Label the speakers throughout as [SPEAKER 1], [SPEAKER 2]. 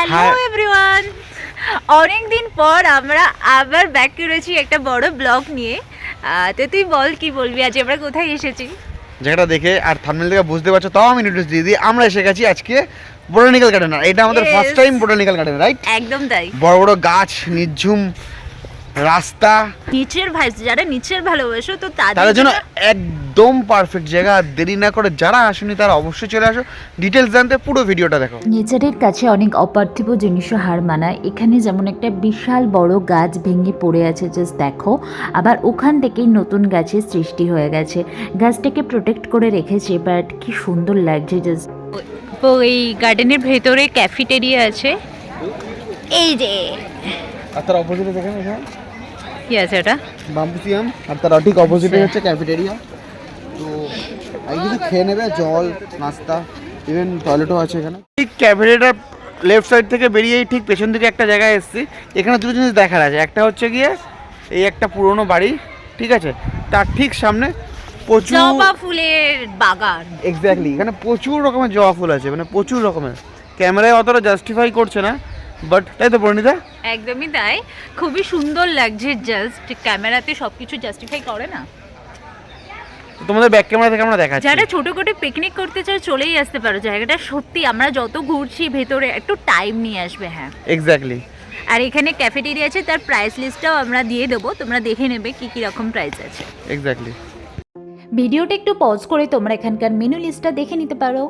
[SPEAKER 1] Hello everyone, অনেক দিন পর আমরা আবার ব্যাক করেছি একটা বড় ব্লগ নিয়ে। তো তুই বল কি বলবি, আজ আমরা কোথায় এসেছি?
[SPEAKER 2] জায়গাটা দেখে আর থাম্বনেল থেকে বুঝতে পারছো, তাও আমি ইন্ট্রোডিউস দিয়ে দিই। আমরা এসে গেছি আজকে বোটানিক্যাল গার্ডেন। এটা আমাদের first time botanical garden, right?
[SPEAKER 1] একদম তাই।
[SPEAKER 2] বড় বড় গাছ, নিঝুম রাস্তা,
[SPEAKER 1] নিচের ভাইস, যারা নিচের ভালোবাসো তো
[SPEAKER 2] তাদের জন্য একদম পারফেক্ট জায়গা। দেরি না করে যারা আসেনি তারা অবশ্যই চলে আসো। ডিটেলস জানতে পুরো ভিডিওটা দেখো।
[SPEAKER 3] নেচারের কাছে অনেক অপার্থিব জিনিসও হার মানায়। এখানে যেমন একটা বিশাল বড় গাছ ভেঙে পড়ে আছে, জাস্ট দেখো। আবার ওখান থেকেই নতুন গাছের সৃষ্টি হয়ে গেছে। গাছটাকে প্রোটেক্ট করে রেখেছে, বাট কি সুন্দর লাগছে জাস্ট।
[SPEAKER 1] ওই গার্ডেনের ভেতরে ক্যাফেটেরিয়া আছে, এই যে।
[SPEAKER 2] আর তার অপোজিটে দেখেন এখানে
[SPEAKER 1] কি আছে ওটা?
[SPEAKER 2] বাম্বুসিয়াম। আর তার ঠিক অপোজিটে হচ্ছে ক্যাফেটেরিয়া। তো এই কিছু খেয়ে নেবে, জল, নাস্তা, ইভেন টয়লেটও আছে এখানে। ঠিক ক্যাফেটেরিয়ার লেফট সাইড থেকে বেরিয়েই ঠিক পেছন দিকে একটা জায়গায় এসেছি। এখানে দুটো জিনিস দেখার আছে। একটা হচ্ছে গিয়ে এই একটা পুরনো বাড়ি, ঠিক আছে, তার ঠিক সামনে প্রচুর
[SPEAKER 1] জবা ফুলের বাগান।
[SPEAKER 2] এক্স্যাক্টলি, এখানে প্রচুর রকমের জবা ফুল আছে, মানে প্রচুর রকমের। ক্যামেরায় অতটা জাস্টিফাই করছে না, বাট তাই তো পরিণীতা?
[SPEAKER 1] একদমই তাই, খুবই সুন্দর লাগছে। জাস্ট ক্যামেরাতে সবকিছু জাস্টিফাই করে না।
[SPEAKER 2] তোমাদের ব্যাক ক্যামেরা থেকে আমরা দেখাচ্ছি।
[SPEAKER 1] যারা ছোট করে পিকনিক করতে চাও চলেই আসতে পারো। জায়গাটা সত্যি, আমরা যত ঘুরছি ভেতরে একটু টাইম নিয়ে আসবে। হ্যাঁ,
[SPEAKER 2] এক্স্যাক্টলি।
[SPEAKER 1] আর এখানে ক্যাফেটেরিয়া আছে, তার প্রাইস লিস্টটাও আমরা দিয়ে দেবো, তোমরা দেখে নেবে কি কি রকম প্রাইস আছে।
[SPEAKER 2] এক্স্যাক্টলি।
[SPEAKER 3] ভিডিওটা একটু পজ করে তোমরা এখানকার মেনু লিস্টটা দেখে নিতে পারো।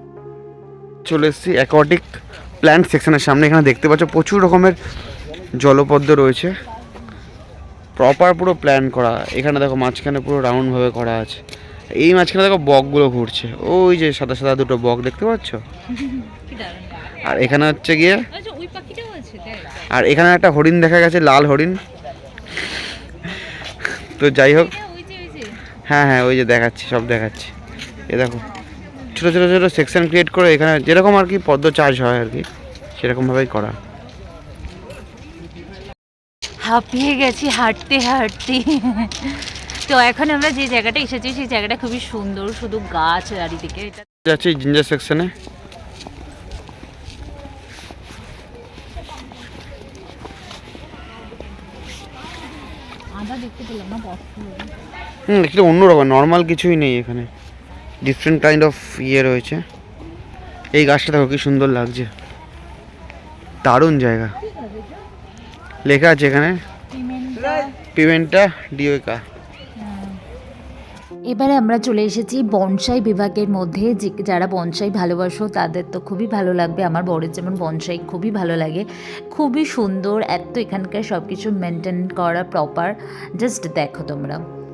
[SPEAKER 2] চলে এসেছি অ্যাকোয়াটিক প্ল্যান্ট সেকশনের সামনে। এখানে দেখতে পাচ্ছ প্রচুর রকমের জলপদ্ম রয়েছে, প্রপার পুরো প্ল্যান করা। এখানে দেখো মাঝখানে পুরো রাউন্ডভাবে করা আছে। এই মাঝখানে দেখো বকগুলো ঘুরছে, ওই যে সাদা সাদা দুটো বক দেখতে পাচ্ছ। আর এখানে হচ্ছে গিয়ে, আর এখানে একটা হরিণ দেখা গেছে, লাল হরিণ। তো যাই হোক, হ্যাঁ হ্যাঁ ওই যে দেখাচ্ছি, সব দেখাচ্ছি। এ দেখো ছোটো ছোটো ছোটো সেকশন ক্রিয়েট করে এখানে যেরকম আর কি পদ্ম চাষ হয় আর কি, সেরকমভাবেই করা।
[SPEAKER 1] হাঁপিয়ে গেছি হাঁটতে হাঁটতে। তো এখন আমরা যে জায়গাটা এসেছি সেই জায়গাটা খুবই সুন্দর, শুধু গাছ চারিদিকে।
[SPEAKER 2] যাচ্ছি জিঞ্জার সেকশনে। একটু অন্যরকম, নর্মাল কিছুই নেই এখানে, ডিফারেন্ট কাইন্ড অফ ইয়ে রয়েছে। এই গাছটা দেখো কি সুন্দর লাগছে, দারুণ জায়গা। লেখা আছে এখানে পিমেন্টা ডিওকা।
[SPEAKER 3] এবারে আমরা চলে এসেছি বনসাই বিভাগের মধ্যে। যে যারা বনসাই ভালোবাসো তাদের তো খুবই ভালো লাগবে। আমার বরের যেমন বনসাই খুবই ভালো লাগে, খুবই সুন্দর। এত এখানকার সব কিছু মেনটেন করা প্রপার, জাস্ট দেখো তোমরা।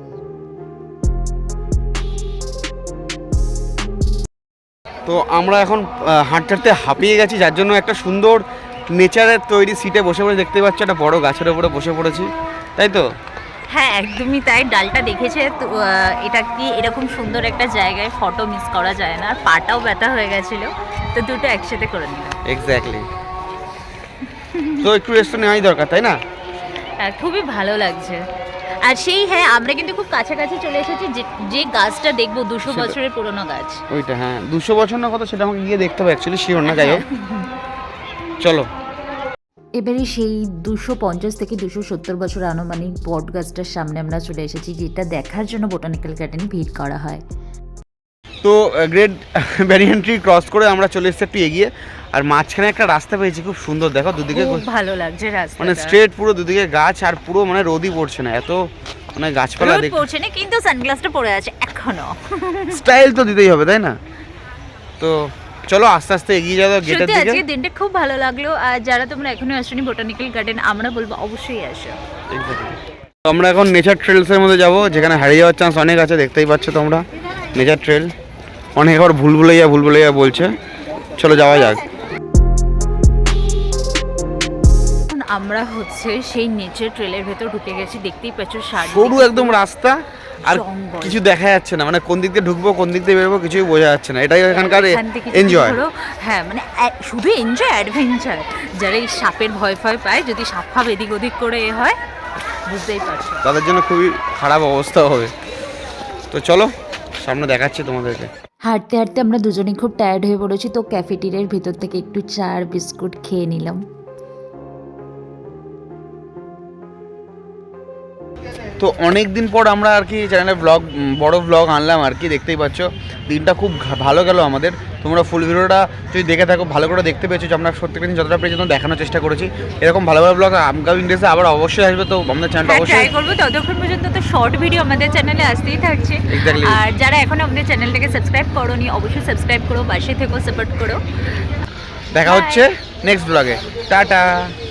[SPEAKER 2] তো আমরা এখন হাঁটতে হাঁটতে হাঁপিয়ে গেছি, যার জন্য একটা সুন্দর নেচারের তৈরি সিটে বসে পড়ে, দেখতে পাচ্ছ একটা বড় গাছের উপরে বসে পড়েছি, তাই তো?
[SPEAKER 1] হ্যাঁ একদমই তাই, ডালটা দেখেছে তো। এটা কি এরকম সুন্দর একটা জায়গায় ফটো মিস করা যায় না। আর পাটাও ব্যথা হয়ে গেছিল, তো দুটো একসাথে করে নিলাম।
[SPEAKER 2] এক্স্যাক্টলি। তো একটু রেস্ট নেওয়াই দরকার, তাই না?
[SPEAKER 1] খুবই ভালো লাগছে। আর সেই হ্যাঁ, আমরা কিন্তু খুব কাছাকাছি চলে এসেছি। যে গাছটা দেখবো 200 বছরের পুরনো গাছ।
[SPEAKER 2] ওইটা হ্যাঁ, 200 বছর না কত সেটা আমাকে গিয়ে দেখতে হবে, অ্যাকচুয়ালি শিওর না। যাই হোক চলো।
[SPEAKER 3] এবারে সেই 250 থেকে 270 বছর আনুমানিক বট গাছটার সামনে আমরা চলে এসেছি, যেটা দেখার জন্য বোটানিক্যাল গার্ডেনে ভিড় করা হয়।
[SPEAKER 2] তো গ্রেট ব্যারিয়ার ট্রি ক্রস করে আমরা চলে এসেছি একটু এগিয়ে। আর মাঝখানে একটা রাস্তা পেয়েছি, খুব সুন্দর। দেখো দুদিকে
[SPEAKER 1] খুব ভালো লাগছে রাস্তা,
[SPEAKER 2] মানে স্ট্রেট পুরো দুদিকে গাছ, আর পুরো মানে রোদই পড়ছে না, এত মানে গাছপালা
[SPEAKER 1] রোদ পড়ছে না, কিন্তু সানগ্লাসটা পরে আছে এখনো।
[SPEAKER 2] স্টাইল তো দিতেই হবে, তাই না? তো চলো আস্তে আস্তে এগিয়ে যাও গেটের
[SPEAKER 1] সত্যি
[SPEAKER 2] দিকে।
[SPEAKER 1] আজকে দিনটা খুব ভালো লাগলো। আর যারা তোমরা এখনো আসোনি বোটানিক্যাল গার্ডেন, আমরা বলবো অবশ্যই আসো।
[SPEAKER 2] তো আমরা এখন নেচার ট্রেলসের মধ্যে যাব, যেখানে হারিয়ে যাওয়ার চান্স অনেক আছে। দেখতেই পাচ্ছ তোমরা নেচার ট্রেল। অনেক আবার ভুলভুলাইয়া বলছে। চলো যাওয়া যাক।
[SPEAKER 1] আমরা হচ্ছে সেই নেচার ট্রেলের ভেতর ঢুকে গেছি। দেখতেই পাচ্ছ
[SPEAKER 2] সরু একদম রাস্তা, আর
[SPEAKER 1] জঙ্গল।
[SPEAKER 2] কিছু দেখা যাচ্ছে না, মানে কোন দিক দিয়ে ঢুকবো কোন দিক দিয়ে বেরোবো কিছুই বোঝা যাচ্ছে না। এটাই এখানকার এনজয়।
[SPEAKER 1] হ্যাঁ মানে শুধু এনজয়, অ্যাডভেঞ্চার। যারা এই সাপের ভয় পায়, যদি সাপ ফাপ এদিক ওদিক করে হয়, বুঝতেই পারছো
[SPEAKER 2] তাদের জন্য খুবই খারাপ অবস্থা হবে। তো চলো সামনে দেখাচ্ছি তোমাদেরকে।
[SPEAKER 3] হাঁটতে হাঁটতে আমরা দুজনেই খুব টায়ার্ড হয়ে পড়েছি, তো ক্যাফেটেরিয়ার ভিতর থেকে একটু চা আর বিস্কুট খেয়ে নিলাম।
[SPEAKER 2] তো অনেক দিন পর আমরা আর কি চ্যানেলে বড় ব্লগ আনলাম আর কি, দেখতেই পাচ্ছ দিনটা খুব ভালো গেল আমাদের। তোমরা ফুল ভিডিওটা যদি দেখে থাকো ভালো করে দেখতে পেয়েছো, যে আমরা প্রত্যেকটা দিন যতটা পেরেছি দেখানোর চেষ্টা করেছি। এরকম ভালো ভালো ব্লগ আমকামিং ডেসে আবার অবশ্যই আসবে, তো আমাদের চ্যানেলটা
[SPEAKER 1] ট্রাই
[SPEAKER 2] অবশ্যই
[SPEAKER 1] করবো। ততক্ষণ পর্যন্ত তো শর্ট ভিডিও আমাদের চ্যানেলে আসতেই থাকছে।
[SPEAKER 2] Exactly.
[SPEAKER 1] আর যারা এখনো আমাদের চ্যানেলটাকে সাবস্ক্রাইব করোনি অবশ্যই সাবস্ক্রাইব করো, পাশে থেকো, সাপোর্ট করো।
[SPEAKER 2] দেখা
[SPEAKER 1] Bye.
[SPEAKER 2] হচ্ছে নেক্সট ব্লগে। টাটা।